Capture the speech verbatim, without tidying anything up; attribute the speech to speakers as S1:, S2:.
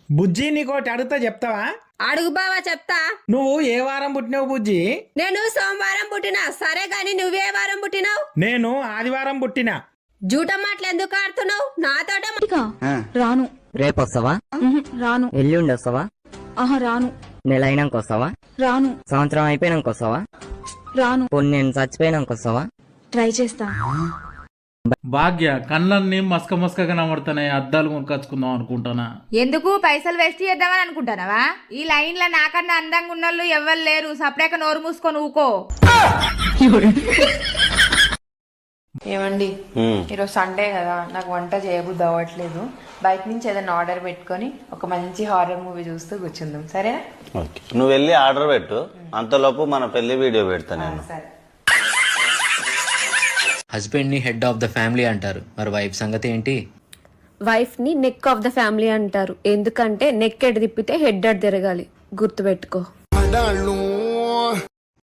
S1: బుజ్జి నీకోటి అడుగుతా చెప్తావా?
S2: అడుగు బావా చెప్తా.
S1: నువ్వు ఏ వారం పుట్టినావు బుజ్జి?
S2: నేను సోమవారం పుట్టినా. సరే గాని నువ్వే వారం పుట్టినావు?
S1: నేను ఆదివారం పుట్టినా.
S2: జూట మాటలు ఎందుకు ఆడుతున్నావు నాతోట?
S3: రాను.
S4: రేపు వస్తావా?
S3: రాను.
S4: ఎల్లుండి వస్తావా?
S3: ఆహా రాను.
S4: నెల అయినాక వస్తావా?
S3: రాను.
S4: సంవత్సరం అయిపోయినాక వస్తావా?
S3: రాను.
S4: పోనీ నేను చచ్చిపోయినాక వస్తావా?
S3: ట్రై చేస్తా.
S5: భాగ్య కళ్ళన్నీ మస్క మస్కగా కనబడుతున్నాయి, అద్దాలు కొనుకొచ్చుకుందాం అనుకుంటానా.
S6: ఎందుకు పైసలు వేస్ట్ చేద్దామని అనుకుంటానవా? ఈ లైన్ లో నాకన్నా అందంగా ఉన్నోళ్ళు ఎవ్వరు లేరు. సపరేక నోరు మూసుకొని ఊకో.
S7: ఏమండి, ఈరోజు సండే కదా, నాకు వంట చేయబుద్ధి అవ్వట్లేదు. బయట నుంచి ఏదైనా ఆర్డర్ పెట్టుకొని ఒక మంచి హారర్ మూవీ చూస్తూ కూర్చుందాం, సరేనా?
S8: ఓకే, నువ్వు వెళ్ళి ఆర్డర్ పెట్టు, అంతలోపు మన పెళ్లి వీడియో పెడతా నేను.
S7: సరే.
S9: హస్బెండ్ ని హెడ్ ఆఫ్ ద ఫ్యామిలీ అంటారు, మరి వైఫ్ సంగతి ఏంటి?
S2: వైఫ్ ని నెక్ ఆఫ్ ద ఫ్యామిలీ అంటారు, ఎందుకంటే నెక్ ఎడ్ తిప్పితే హెడ్ అడ్ తిరగాలి. గుర్తుపెట్టుకో.